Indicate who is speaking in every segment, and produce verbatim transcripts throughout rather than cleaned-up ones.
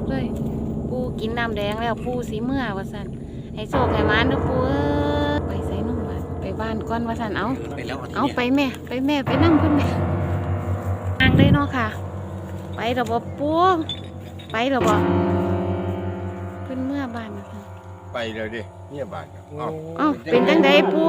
Speaker 1: เลยปูกินน้ำแดงแล้วปูสีเมื่อว่าสันให้โชคให้มานเด้อปูเอ้ยไปใส่นุ่มบ้านไปบ้านก่อนว่าสันเอาเอาไปแม่ไปแม่ไปนั่งเพื่อนแม่อ่างได้เนาะค่ะไปเดี๋ยวบปูไปเดี๋ยวบเพื่อนเมื่อบ้านนะคะ
Speaker 2: ไปเลยดิเนี่ยบ้านเอ้า
Speaker 1: เอ้าเป็นจังไดปู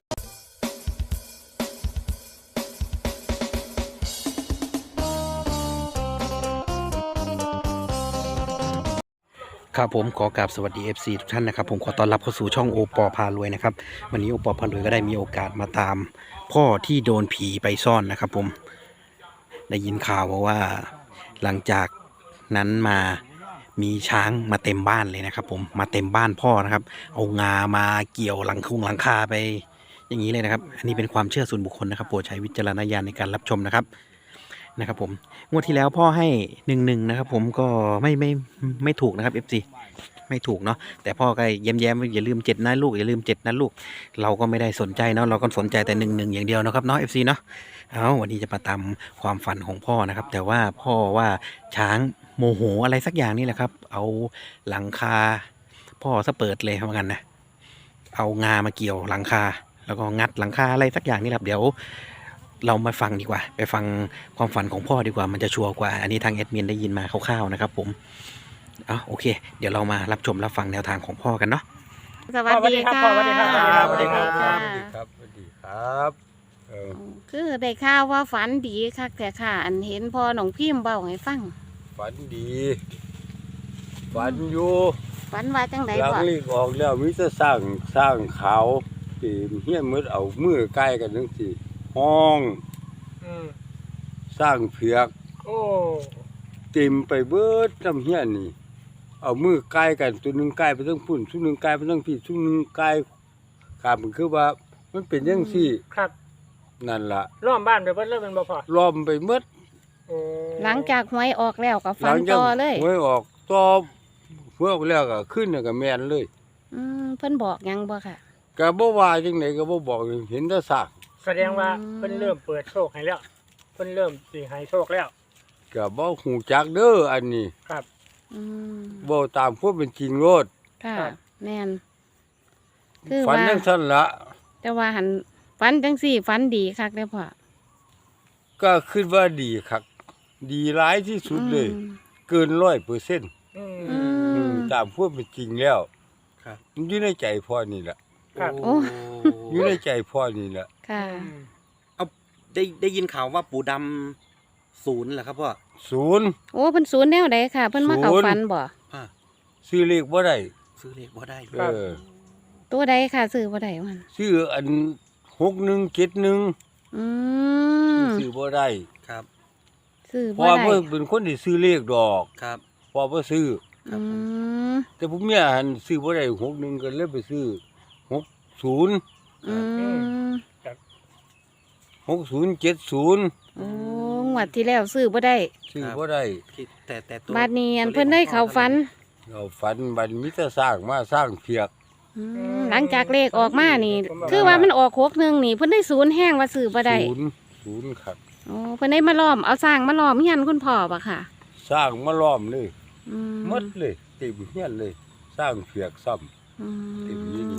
Speaker 3: ครับผมขอกราบสวัสดี เอฟ ซี ทุกท่านนะครับผมขอต้อนรับเข้าสู่ช่องโอปอพารวยนะครับวันนี้โอปอพารวยก็ได้มีโอกาสมาตามพ่อที่โดนผีไปซ่อนนะครับผมได้ยินข่าวว่าหลังจากนั้นมามีช้างมาเต็มบ้านเลยนะครับผมมาเต็มบ้านพ่อนะครับเอางามาเกี่ยวหลังคุงหลังคาไปอย่างนี้เลยนะครับอันนี้เป็นความเชื่อส่วนบุคคลนะครับโปรดใช้วิจารณญาณในการรับชมนะครับนะครับผมงวดที่แล้วพ่อให้หนึ่งหนึ่งนะครับผมก็ไม่ไม่ไม่ถูกนะครับ เอฟ ซี ไม่ถูกเนาะแต่พ่อก็แย้มๆอย่าลืมเจ็ดนะลูกอย่าลืมเจ็ดนะลูกเราก็ไม่ได้สนใจเนาะเราก็สนใจแต่หนึ่งหนึ่งอย่างเดียวนะครับเนาะ เอฟ ซี เนาะเอาวันนี้จะมาตามความฝันของพ่อนะครับแต่ว่าพ่อว่าช้างโมโหอะไรสักอย่างนี่แหละครับเอาหลังคาพ่อซะเปิดเลยเหมือนกันนะเอางามาเกี่ยวหลังคาแล้วก็งัดหลังคาอะไรสักอย่างนี่แหละเดี๋ยวเรามาฟังดีกว่าไปฟังความฝันของพ่อดีกว่ามันจะชัวร์กว่าอันนี้ทางแอดมินได้ยินมาคร่าวๆนะครับผมอ๋อโอเคเดี๋ยวเรามารับชมรับฟังแนวทางของพ่อกันเนาะ
Speaker 1: สวัสดีค่ะ
Speaker 2: สวัสดีครับสวัสดีครับสวัสดีครับสวัสดีครับเออ
Speaker 1: คือได้ข่าวว่าฝันดีค่ะแต่ค่ะอันเห็นพ่อหนองพิมพ์เบาให้ฟัง
Speaker 2: ฝันดีฝันอยู่
Speaker 1: ฝันว่าจังได๋
Speaker 2: บ่หลังลีกออกแล้วมีแต่สร้างสร้างเขาที่เฮียนมืดเอามือใกล้กันจังซี่ห้องสร้างเผือกโอ้เต็มไปเบิดน้ำเฮียนนี่เอามือใกล้กันตัวนึงใกล้ไปทั้งพุ่นตัวนึงใกล้ไปทั้งพี่ตัวนึงใกล้กามันคือว่ามันเป็นจังซี่
Speaker 4: ครับ
Speaker 2: นั่นล่ะ
Speaker 4: ล้อมบ้านไปเบิดเลยมันบ่พอ
Speaker 2: ล้อมไปหมด
Speaker 1: หลังจากหวยออกแล้วก็ฝันต่อเลย
Speaker 2: หวยออกต่อหวยออกแล้วก็ขึ้นก็แม่นเลย
Speaker 1: อืมเพิ่นบอกหยังบ่ค่ะ
Speaker 2: ก็บ่ว่าจังได๋ก็บ่บอกเห็นแต่ซาก
Speaker 4: แสดงว่าเพิ่นเริ่มเปิดโชคให้แล้วเพิ่นเริ่มสิให้โชคแล้ว
Speaker 2: ก็บ่ฮู้จักเด้ออันนี้
Speaker 4: ครับ
Speaker 1: อืม
Speaker 2: บ่ตามความเป็นจริงโลด
Speaker 1: ค่ะแม่นคือ
Speaker 2: ว่าฝันจังซั่นล่ะ
Speaker 1: แต่ว่าหันฝันจังซี่ฝันดีคักเด้อพ่อ
Speaker 2: ก็คิดว่าดีคักดีหลายที่สุดเลยเกิน ร้อยเปอร์เซ็นต์
Speaker 4: อื
Speaker 2: มตามความเป็นจริงแล้วครับมันอยู่ในใจพ่อนี่แหละ
Speaker 4: ครับ
Speaker 1: โอ้
Speaker 2: อยู่ในใจพ่อนี่แหละ
Speaker 1: ค่ะ
Speaker 3: เอาได้ได้ยินข่าวว่าปู่ดำศูนย์เหรอครับพ่อ
Speaker 2: ศูนย์
Speaker 1: โอ้เพิ่นศูนย์แนวใดค่ะเพิ่นมาเข้าฝันบ่
Speaker 3: อ่า
Speaker 2: ซื้อเลขบ่ได้
Speaker 3: ซื้อเลขบ่ได้
Speaker 2: เออ
Speaker 1: ตัวใดค่ะซื้อบ่ได้มัน
Speaker 2: ซื้ออันหกหนึ่งเจ็ดหนึ่ง
Speaker 1: อืม
Speaker 2: ซื้อบ่ได้
Speaker 3: ครับ
Speaker 1: ซื้อบ่
Speaker 2: ได้พ่อ
Speaker 1: เ
Speaker 2: พิ่นเป็นคนที่ซื้อเลขดอก
Speaker 3: ครับ
Speaker 2: พ่อบ่ซื้อ
Speaker 1: อืม
Speaker 2: แต่ผมเนี่ยหันซื้อบ่ได้หกหนึ่งก็เลยไปซื้อหกศูนย์
Speaker 1: อืม
Speaker 2: หกศูนย์เจ็ดศูนย์
Speaker 1: โอ้งวดที่แล้วซื้อบ่ได้
Speaker 2: ซื้อบ่ได้
Speaker 3: แต่แต่ตัว
Speaker 1: บัดนี้อันเพิ่นได้เข้าฝัน
Speaker 2: เข้าฝันบัดมีแต่สร้างมาสร้างเผือก
Speaker 1: หลังจากเลขออกมานี่คือว่ามันออกหกหนึ่งนี่เพิ่นได้ศูนย์แห้งว่าซื้อบ่ได้
Speaker 2: ศูนย์ศูนย์ครับ
Speaker 1: โอ้เพิ่นได้มาล้อมเอาสร้างมาล้อมเฮียนคุณพ่อบ่ค่ะ
Speaker 2: สร้างมาล้อมเลยหมดเลยเต็มเฮียนเลยสร้างเผือกซ้ำเต็มนี้นี่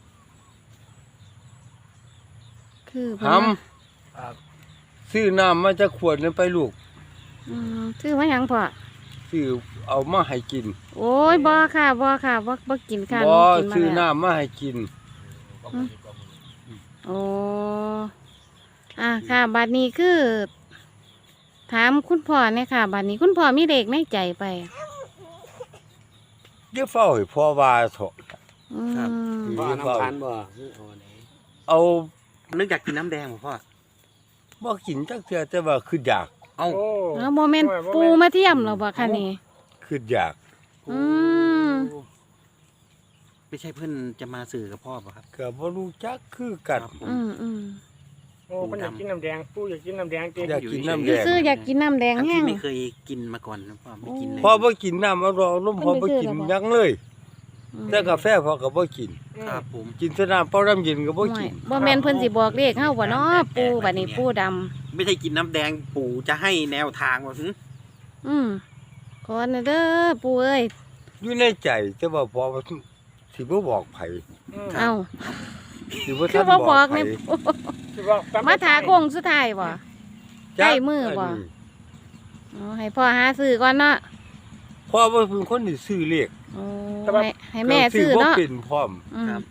Speaker 1: คือ
Speaker 2: ทำซื้อน้ำมาจะขวดนึงไปลูก
Speaker 1: ซื้อมาหยังพ่อ
Speaker 2: ซื้อเอามาให้กิน
Speaker 1: โอ้ยบ่ค่ะบ่ค่ะบ่บ่กินค่ะ
Speaker 2: บ่ซื้อน้ำมาให้กิน
Speaker 1: โอ้อ่าค่ะบัดนี้คือถามคุณพ่อเนี่ยค่ะบัดนี้คุณพ่อมีเลขในใจไป
Speaker 2: เดี๋ยวเฝ้าให้พ่อว่าเถอะ
Speaker 3: ครับ
Speaker 2: พ่อน้ำตาลบ่เอา
Speaker 3: นึกอยากกินน้ำแดงบ่พ่อ
Speaker 2: บ่กินจักเทื่อแต่ว่าคืออยาก
Speaker 3: เอ้า
Speaker 1: โมเมนต์ปูมาเทียมหรอบ่คะนี่
Speaker 2: คืออยาก
Speaker 1: อืม
Speaker 3: ไม่ใช่เพิ่นจะมาสื่อกับพ่อป่ะครับ
Speaker 2: ก็บ่รู้จักคือกัน
Speaker 1: อืมอืม
Speaker 4: โอ้เพิ่นอยากกินน้ำแดงปูอยากกินน้ำแดงเต็ม
Speaker 2: อยากกินน้ำแดง
Speaker 1: คืออยากกินน้ำแดงแห้ง
Speaker 3: ไม่เคยกินมาก่อนพ่อไม่กินเลย
Speaker 2: พ่อบ่กินน้ำอร่อยนมพ่อบ่กินยังเลยแต่กาแฟพ่อก็บ่กิน
Speaker 3: ครับผม
Speaker 2: กินแต่น้ำเปล่าน้ำเย็นก็บ่กิน
Speaker 1: บ่แม่นเพิ่นสิบอกเลขเฮาบ่เนาะปูบัดนี้ปูดำ
Speaker 3: ไม่ใช่กินน้ำแดงปู่จะให้แนวทางว่าหึ
Speaker 1: อืมขอนะเด้อปู่เอ้ย
Speaker 2: อยู่ในใจแต่ว่าพอว่าสิบ่บอกไผ
Speaker 4: อืม
Speaker 1: เอ้า
Speaker 2: สิบ่
Speaker 1: คื
Speaker 2: ทั
Speaker 1: อน บ่
Speaker 2: บบ อ
Speaker 1: อก ก
Speaker 2: ไผ
Speaker 1: นี่
Speaker 4: สิบอกจำ
Speaker 1: มาถา
Speaker 4: ไได้
Speaker 1: โค้งสุดท้ายบ่ ใกล้มือบ่
Speaker 2: นนี้
Speaker 1: อ๋อให้พ่อหาซื้อก่อนเนาะ
Speaker 2: พ่อว่าเป็นคนที่ซื้อเลข
Speaker 1: โอ้ให้ให้แม่ซื้อ
Speaker 2: ก็
Speaker 1: เนาะ
Speaker 2: บ่เป็นพร้อม
Speaker 1: อืม
Speaker 3: ครับ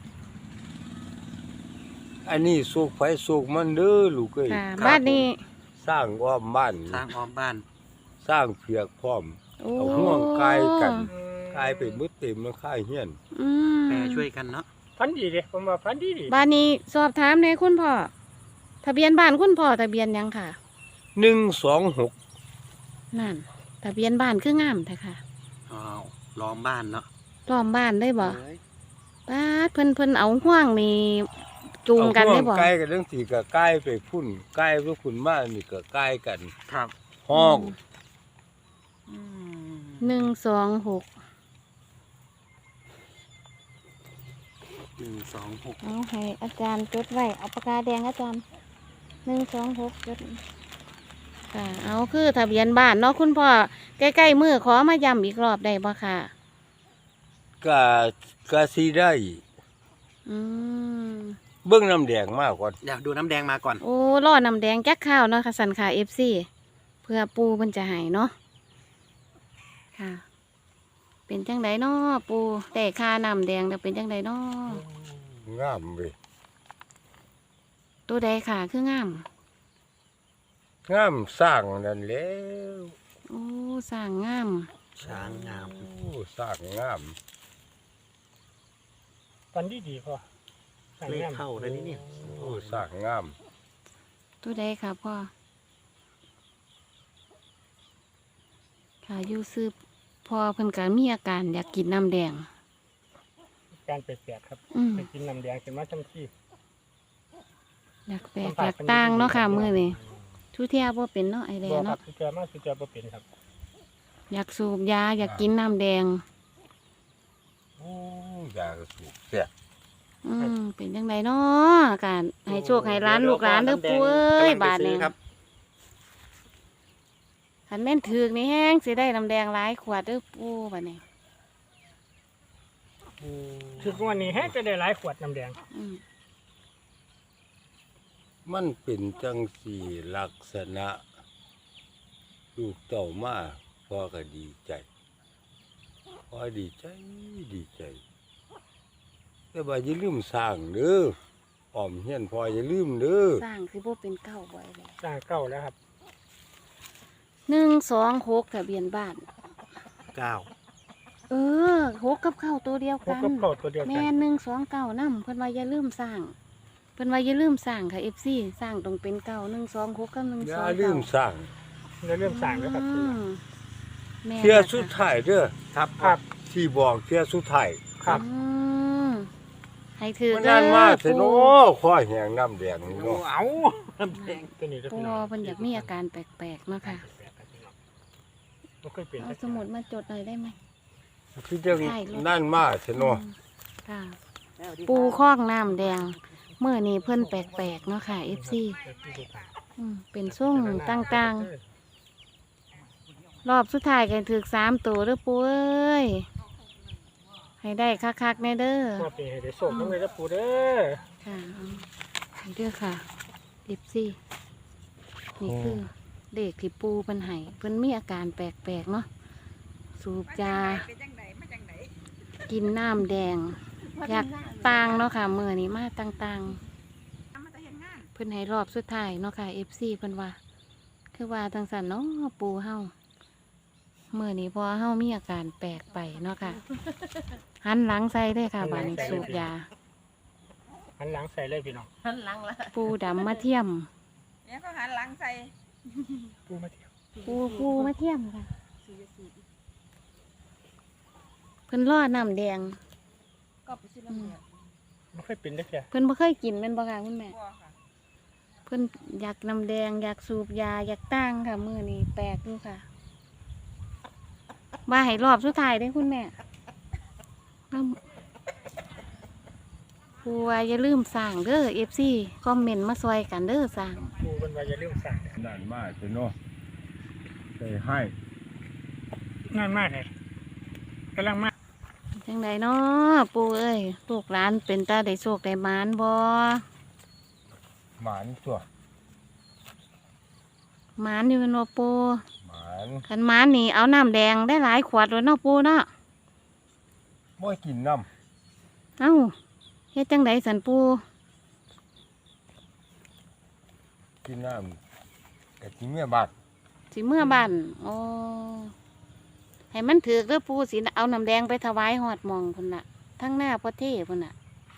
Speaker 2: อันนี้สุกไฟสุกมันเด้อลูกเอ้ย
Speaker 1: ค่ะบ้านนี้
Speaker 2: สร้างอ้อมบ้าน
Speaker 3: สร้างอ้อมบ้าน
Speaker 2: สร้างเผือกพร้อม
Speaker 1: โอ้
Speaker 2: เอาห่วงกายกัน
Speaker 4: อืม
Speaker 2: กลายเป็นมืดเต็มมันค่ายเฮียน
Speaker 1: อืม
Speaker 3: แปรช่วยกันเนาะ
Speaker 4: พันดีเด้ผมว่าพันดีดี
Speaker 1: บ้านนี้สอบถามในอยคุณพ่อทะเบียนบ้านคุณพ่อทะเบียนหยังค่ะ
Speaker 2: หนึ่งสองหก
Speaker 1: นั่นทะเบียนบ้านคืองามแท้ค่ะ
Speaker 3: อ้าวล้อมบ้านเนาะ
Speaker 1: ล้อมบ้านได้บ่
Speaker 3: เอ้ย
Speaker 1: ป้าดเพิ่นเพิ่นเอาห่วงนี่จูงกันได้บ่
Speaker 2: ใกล้กันเรื่องสีก็ใกล้ไปพุ่นใกล้ไปพุ่นมานี่ก็ใกล้กัน
Speaker 3: ครับ
Speaker 2: ห้อง
Speaker 3: อืม
Speaker 1: หนึ่งสองหก
Speaker 3: หนึ่งสองหก
Speaker 1: เอาให้อาจารย์จดไว้เอาปากกาแดงอาจารย์หนึ่งสองหกจดค่ะเอาคือทะเบียนบ้านเนาะคุณพ่อใกล้ๆมือขอมาย้ำอีกรอบได้บ่ค่ะ
Speaker 2: ก็ก็สิได้
Speaker 1: อืม
Speaker 2: เบิ่งน้ำแดงมากกว่า
Speaker 3: อยากดูน้ำแดงมาก่อน
Speaker 1: โอ้ล่อน้ำแดงแจ๊กข้าวเนาะค่ะสันค่ะเอฟซีเพื่อปูมันจะใหายเนาะค่ะ เป็นจังไดเนาะปูแต่ค่าน้ำแดงจะเป็นจังไดเนาะ
Speaker 2: งามเว้ย
Speaker 1: ตัวใดค่ะคืองาม
Speaker 2: งามสร้างนั่นแล้ว
Speaker 1: โอ้สร้างงาม
Speaker 3: ช้างงาม
Speaker 2: โอ้สร้างงาม
Speaker 4: พันดีดีพอ
Speaker 3: เลขเข้าเลยนี่เนี่ย
Speaker 2: โอ้สร้างงาม
Speaker 1: ตัวใดค่ะพ่อค่ะอยู่ซื้อพอเพิ่นก็มีอาการอยากกินน้ำแดง
Speaker 4: การแปลกๆครับ
Speaker 1: อืม
Speaker 4: ไปกินน้ำแดงขึ้นมาจำที่
Speaker 1: อยากแปลกอยากต่างเนาะค่ะมื้อนี้ทุเทียบ่เป็นเนาะไอแด
Speaker 4: บ่
Speaker 1: ง
Speaker 4: ครั
Speaker 1: เนาะ
Speaker 4: บสุดยอดมากสุดยอดบ่เป็นครับ
Speaker 1: อยากสูบยาอยากกินน้ำแดง
Speaker 2: โอ้ยากระสุกเสีย
Speaker 1: อืมเป็นจังไดเนาะการให้โชคให้ร้านลูกร้านเด้อปูเอ้ยบาทนี้
Speaker 3: ครับ
Speaker 1: คันแม่นถือกนี่แห้งสิได้น้ำแดงหลายขวดเด้อปูบาดนี้
Speaker 4: ถึงวันนี้แฮะจะได้หลายขวดน้ำแดง
Speaker 1: อืม
Speaker 2: มันเป็นจังสี่ลักษณะลูกเต่ามาพ่อก็ดีใจพ่อดีใจดีใจ แต่ว่าอย่าลืมสร้างเด้ออ้อมเฮียนพ่ออย่าลืมเด้อ
Speaker 1: สร้างสิบ่เป็นเก้าบ่อยเลย
Speaker 4: สร้างเก่าแล้วครับ
Speaker 1: หนึ่งสองหกทะเบียนบ้าน
Speaker 3: เก้า
Speaker 1: เออหกกับเก้าตัวเดียว
Speaker 4: พวก
Speaker 1: กัน
Speaker 4: กับเก่าตัวเดียวกั
Speaker 1: แม่
Speaker 4: น
Speaker 1: หนึ่งสองเก้านำเพิ่นว่าอย่าลืมสร้างเพิ่นว่าอย่าลืมสร้างค่ะเอฟซีสร้างต้องเป็นเก้าหนึ่งสองหกกับหนึ่ง
Speaker 2: อ
Speaker 1: ส
Speaker 2: ย่า
Speaker 1: อง
Speaker 2: ลื
Speaker 1: เก้าม
Speaker 2: สร้าง
Speaker 4: เราเริ่มสร้างแล้วครับ
Speaker 1: อืมแม่
Speaker 2: เที่ย
Speaker 1: นะคะ
Speaker 2: สุดท้ายเด้อ
Speaker 3: ครับ
Speaker 4: ครับ
Speaker 2: ที่บอกเที่ยสุดท้าย
Speaker 4: ครับ
Speaker 1: อืมให้ถือ
Speaker 2: มัน
Speaker 1: เด้
Speaker 2: นั่นมา
Speaker 1: อ
Speaker 2: เถอะ
Speaker 1: ปู
Speaker 2: เนาะข้อแหงน้ำแดงนี่
Speaker 3: โอ้
Speaker 2: เนาะ
Speaker 3: เอาน้ำแดง
Speaker 4: ตัวนี้จะ
Speaker 1: ปู
Speaker 4: พี่น้อง
Speaker 1: เพิ่นอยากมีอาการแปลกๆเนาะค่ะ
Speaker 4: บ่เคยเป็น
Speaker 1: เอาสมุดมาจดหน่อยได้ไหม
Speaker 2: คือจังนั่นมาเถอะเนาะ
Speaker 1: ค่ะ ปูคอกน้ำแดงเมื่อนี้เพิ่นแปลกๆเนาะค่ะเอฟซีเป็นส่งต่างๆ รอบสุดท้ายกันถือสามตัวเด้อปูเอ้ยให้ได้คักๆแน่เด้อ
Speaker 4: มาเป็นให้ได้โศกน้ำเลยนะปูเด้อ
Speaker 1: ค่ะเอาให้เด้อค่ะเอฟซีนี่คือเด็กที่ปูเพิ่นให้เพิ่นมีอาการแปลกๆเนาะสูบยากินน้ำแดง อยากต่างเนาะค่ะมือนี้มาต่างๆเพิ่นให้รอบสุดท้ายเนาะค่ะเอฟซีเพิ่นว่า คือว่าจังสันเนาะปูเฮามือนี้พอเฮามีอาการแปลกไปเนาะค่ะ หันหลังใส่เลยค่ะบานนี้สูบยา
Speaker 4: หันหลังใส่เลยพี่น้อง
Speaker 5: หันหลังละ
Speaker 1: ปูดำมาเทียม
Speaker 5: เนี่ยก็หันหลังใส่
Speaker 4: ปูมาเที่ยว
Speaker 1: ปูปูมาเทียมค่ะเพิ่นรอน้ำแดง
Speaker 5: ก็ไปซื้อน้ำเดือด
Speaker 4: ไม่เคยเป็นได้แค่
Speaker 1: เพิ่นบ่เคยกินแม่นบ่ค่ะคุณแม่
Speaker 5: บัวค่ะ
Speaker 1: เพิ่นอยากน้ำแดงอยากสูบยาอยากตั้งค่ะมือนี้แปลกดูค่ะมาให้รอบสุดท้ายได้อคุณแม่น้ำปูว่าอย่าลืมสั่งเด้อเอฟซีคอมเมนต์มาซอยกันเด้อสั่ง
Speaker 4: ปูเป็นว่าอย่าลืมสั่ง
Speaker 2: นั่นมาเถอะเนาะใส่ให้
Speaker 4: นนั่นมากเลยกำลังมาก
Speaker 1: จังไดเนาะปูเอ้ยลูกหลานเป็นตาได้โชคได้หมานบ่
Speaker 2: หมานตัว
Speaker 1: หมานอยู่เป็นบ่ปู
Speaker 2: หมาน
Speaker 1: คันหมานนี่เอาน้ำแดงได้หลายขวดเลยเนาะปูเนาะ
Speaker 2: บ่กินน้
Speaker 1: เอ้าเฮ็ดจังไดสันปู
Speaker 2: ำกินน้ำกะกินเมียบาด
Speaker 1: สิเมื่อบ้านโอ้ให้มันถือกเด้อปูสิเอาน้ำแดงไปถวายหอดหมองพุ่นน่ะทั้งหน้าพ่อเท่พุ่นน่ะ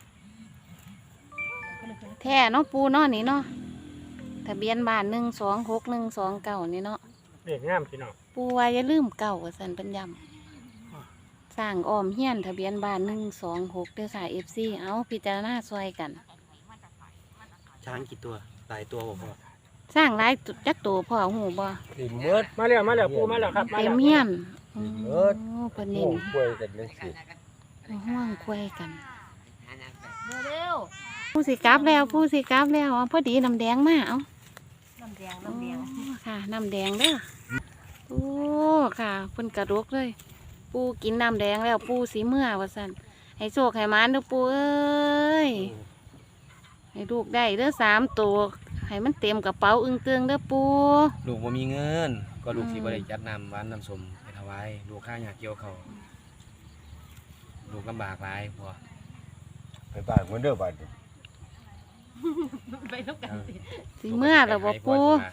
Speaker 1: แท้เนาะปูเนาะนี่เนาะทะเบียนบ้านหนึ่งสองหกหนึ่งสองเก้านี่เนาะ
Speaker 4: เด็กงามพี่น้อง
Speaker 1: ปูว่าอย่าลืมเก่าสันปัญญำสร้างอ้อมเฮียนทะเบียนบ้านหนึ่งสองหกเด้อค่ะเอฟซีเอาพิจารณาซอยกัน
Speaker 3: ช้างกี่ตัวหลายตัวบ่พ่อ
Speaker 1: สร้างหลายจักตัวพ่อหูบ่
Speaker 2: กินเมืด
Speaker 4: มาแล้วมาแล้วปูมาแล้วครับมา
Speaker 1: เต็
Speaker 4: แล้
Speaker 1: ม
Speaker 4: ว
Speaker 1: เฮียน
Speaker 2: เอิ้
Speaker 1: โอ้
Speaker 2: น
Speaker 1: เพิ่น
Speaker 2: ห่
Speaker 1: เน้
Speaker 2: วน งกล้วยกันจังซี่
Speaker 1: ห่วงคุยกันเร็วผู้สิกลับแล้วผู้สิกลับแล้วเอาพอดีน้ำแดงมาเอา
Speaker 5: น้ำแดงน้ำแดง
Speaker 1: โอ้ค่ะน้ำแดงเด้อโอ้ค่ะเพิ่นกระดกเลย ปูกินน้ำแดงแล้วปูสีเมื่อว่าซั่นให้โชคให้หมานเด้อปูเอ้ยให้ลูกได้เด้อสามตัวให้มันเต็มกระเป๋าอึ้งเตืองเด้อปู
Speaker 6: ลูกบ่มีเงิน ก็ลูกสิบ่ได้จัดน้ำหวานน้ำส้มไปถวายลูกข้าอยากเกี่ยวเขาวลูกลำบากหลายพ่อ
Speaker 2: ไปบ้านเมือนเด้อบาดนี้
Speaker 5: ไปทุกกันสิ
Speaker 1: สีเมื่อแล้วบ่ปู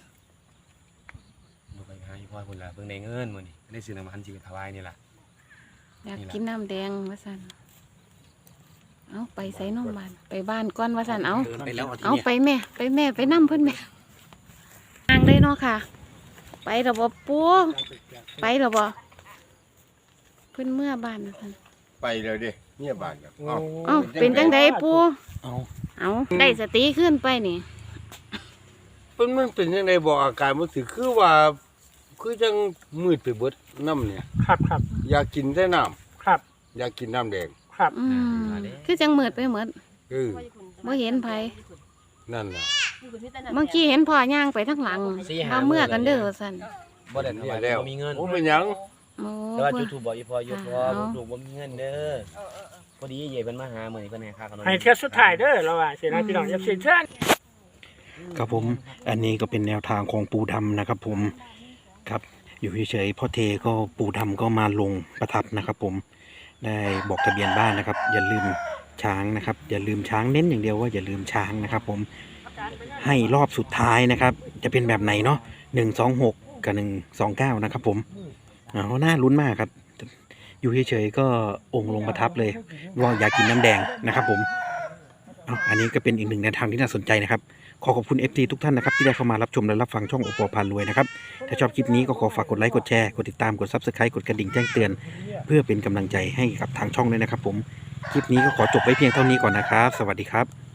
Speaker 6: ลูกไปหาอีพ่อพุ่นล่ะเพิ่งได้เงินมื้อนี้ได้ซื้อน้ำมันสิไปถวายนี่ล่ะ
Speaker 1: อยากกินน้ำแดงว่าซั่นเอาไปใส่นมบ้านไปบ้านก่อนว่าซั่นเอา
Speaker 3: เดินไปแล้วเอาที
Speaker 1: เอา
Speaker 3: เนี้ย
Speaker 1: ไปแม่ไปแม่ไปนั่เพื่อนแม่ทางเลยเนาะค่ะ ไประบบปูไประบบเพื่อนเมื่อบ้านท่าน
Speaker 2: ไปเลยเด้เมียบาดน่ะเอ้า
Speaker 1: เอ้าเป็นจังไดปู
Speaker 3: เอา
Speaker 1: เอาได้สติขึ้นไปนี่
Speaker 2: เพิ่นมันเป็นจังไดบอกอาการมันสิคือว่า คือจังมืดไปเบิดน้ำเนี่ย
Speaker 4: ครับครับ
Speaker 2: อยากกินแต่น้ำ
Speaker 4: ครับ
Speaker 2: อยากกินน้ำแดง
Speaker 4: ครับ
Speaker 1: อืมคือจังมืดไปหมด
Speaker 2: เออ
Speaker 1: บ่เห็นไผ
Speaker 2: นั่นล่ะ
Speaker 1: เมื่อกี้เห็นพ่อย่างไปทั้งหลังมาเมื่อกันเด้อสั่น
Speaker 6: บ่ได้ถวาย
Speaker 2: แล้ว
Speaker 6: บ่มีเงิน
Speaker 2: โอ้เป็นหยัง
Speaker 1: โอ้
Speaker 6: แต่ว่าจุดทูบบอกอีพ่ออยู่พ่อ
Speaker 1: เอา
Speaker 6: ลูกบ่มีเงินเด้อพอดีเย่เพิ่นมาหามื้อนี้เพิ่นให้ค่าขนม
Speaker 4: ให้เทียบสุดท้ายเด้อเราว่าสินะพี่น้องอย่าสิเชิญ
Speaker 3: ครับผมอันนี้ก็เป็นแนวทางของปูดำนะครับผมครับอยู่เฉยๆพ่อเทก็ปูดำก็มาลงประทับนะครับผมได้บอกทะเบียนบ้านนะครับ อย่าลืมช้างนะครับ อย่าลืมช้างเน้นอย่างเดียวว่าอย่าลืมช้างนะครับ ผมให้รอบสุดท้ายนะครับ จะเป็นแบบไหนเนาะหนึ่งสองหกกับหนึ่งสองเก้านะครับ ผมเอาน่าลุ้นมากครับ อยู่เฉยๆก็องค์ลงประทับเลยว่าอยากกินน้ำแดงนะครับ ผมเอาอันนี้ก็เป็นอีกหนึ่งแนวทางที่น่าสนใจนะครับ ขอขอบคุณ เอฟ ซี ทุกท่านนะครับที่ได้เข้ามารับชมและรับฟังช่องโอปอพารวยนะครับถ้าชอบคลิปนี้ก็ขอฝากกดไลค์กดแชร์กดติดตามกด ซับสไครบ์ กดกระดิ่งแจ้งเตือน เพื่อเป็นกำลังใจให้กับทางช่องด้วยนะครับผมคลิปนี้ก็ขอจบไว้เพียงเท่านี้ก่อนนะครับ สวัสดีครับ